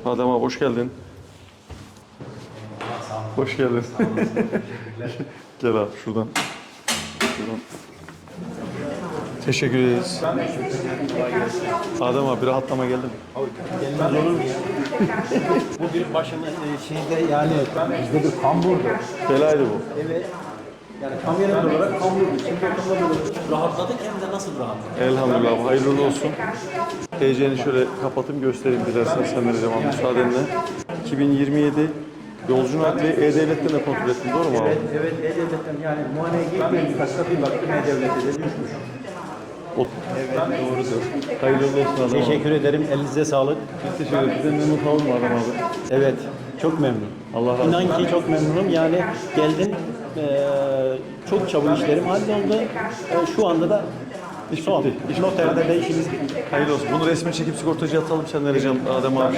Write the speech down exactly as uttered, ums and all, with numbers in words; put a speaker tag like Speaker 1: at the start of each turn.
Speaker 1: Adem abi hoş geldin. Hoş geldin. Gel abi şuradan. Şuradan. Teşekkür ederiz. Adem abi bir rahatlama geldi mi?
Speaker 2: Gelmez olur mu ya? Bu bir başımın e, şeyde yani bizde bir kamburdu.
Speaker 1: Belaydı bu.
Speaker 2: Evet. Yani kamyonet olarak kamburdu. Şimdi oturma böyle rahatladık hem de nasıl rahatladık?
Speaker 1: Elhamdülillah hayırlı uğurlu olsun. T C'ni şöyle kapatayım göstereyim dilersen sen vereceğim abi müsaadenle. iki bin yirmi yedi yolcu nakli E-Devlet'ten de kontrol ettin doğru mu abi?
Speaker 2: Evet, evet. E-Devlet'ten yani muayeneye girmeyen birkaç bir baktım E-Devlet'e de düşmüş.
Speaker 1: O, evet doğrudur. Hayırlı uğurlu olsun Adem abi.
Speaker 2: Teşekkür ederim. Elinize sağlık.
Speaker 1: Biz teşekkür ederiz. Bizden memnun kalın mı Adem abi?
Speaker 2: Evet. Çok memnun.
Speaker 1: Allah razı olsun.
Speaker 2: İnan ki çok memnunum. Yani geldim. eee, çok çabuk işlerim halloldu. Eee, şu anda da
Speaker 1: İş
Speaker 2: son.
Speaker 1: bitti. İş
Speaker 2: Noterde de işimiz bitti.
Speaker 1: Hayırlı olsun. Bunu resmen çekip sigortacıya atalım sen vereceğim Adem abi.